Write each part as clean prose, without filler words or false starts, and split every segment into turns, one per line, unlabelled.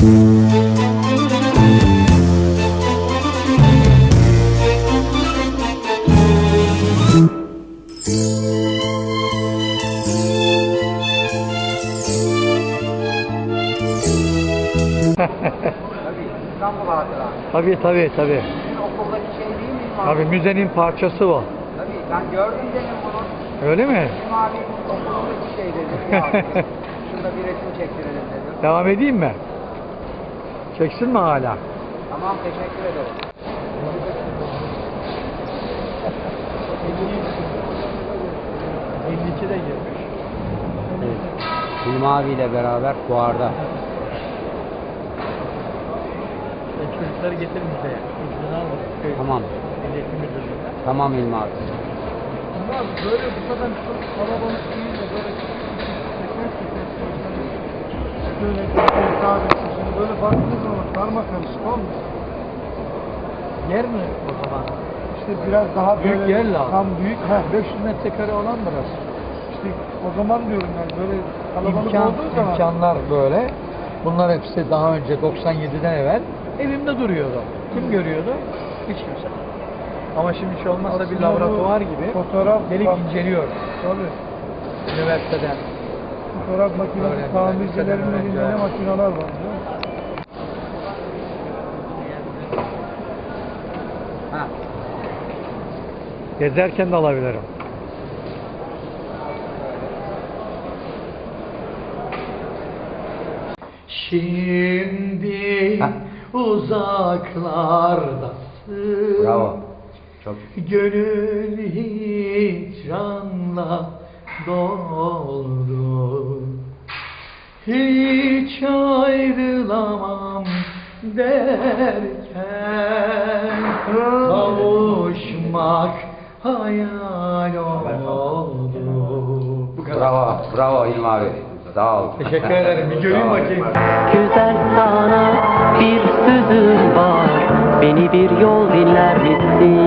İstanbul hatıra.
Tabii.
Sizin okuldaki şey değil mi?
Tabii müzenin parçası o.
Tabii ben gördüm dedim bunu.
Öyle mi?
Bizim abi okulundaki şey dedi. Ya, şurada bir resim çektirelim dedim.
Devam edeyim mi? Çeksin mi hala?
Tamam, teşekkür ederim.
de girmiş.
Evet. Hilmi abiyle beraber fuarda.
Çocukları getir müzeye. İzni almadık.
Tamam.
Milliyetin müdürlüğüne.
Tamam Hilmi abi.
Bunlar böyle bu kadar çok kalabalık değil de böyle böyle kahvesi böyle baktığınız zaman karma karışık olmuş. Yer mi o zaman? İşte biraz daha büyük böyle yer lazım. Tam büyük. 500 metrekare olan burası. İşte o zaman diyorum ben böyle kalabalık olduğu zaman. İmkanlar böyle. Bunlar hepsi daha önce 97'den evvel elimde duruyordu. Kim görüyordu? Hiç kimse. Ama şimdi hiç olmazsa aslında bir laboratuvar gibi fotoğraf gelip inceliyor. Tabii. Üniversiteden. Fotoğraf makinesi tamircilerin elinde ne makineler var.
Ha.
Gezerken de alabilirim. Şimdi uzaklardasın.
Bravo. Çok.
Gönül hicranla doldu. Hiç ayrılamam derken kavuşmak hayal oldu. Bu kadar.
Bravo Hilmi abi. Sağ ol.
Teşekkür ederim. Bir göreyim bakayım.
Güzel sana bir sözüm var. Beni bir yol dinler misin?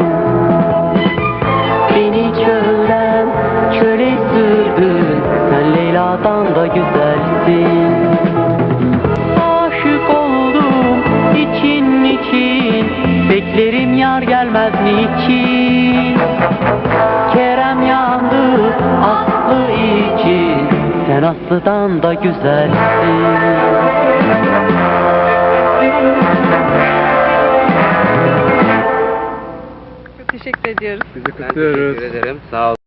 Beni çölden çöle sürdün. Sen Leyla'dan da güzelsin. Aşık oldum için. Beklerim yar gelmez niçin? Kerem yandı Aslı için. Sen Aslı'dan da güzelsin.
Teşekkür ediyoruz.
Ben teşekkür ederim. Sağ ol.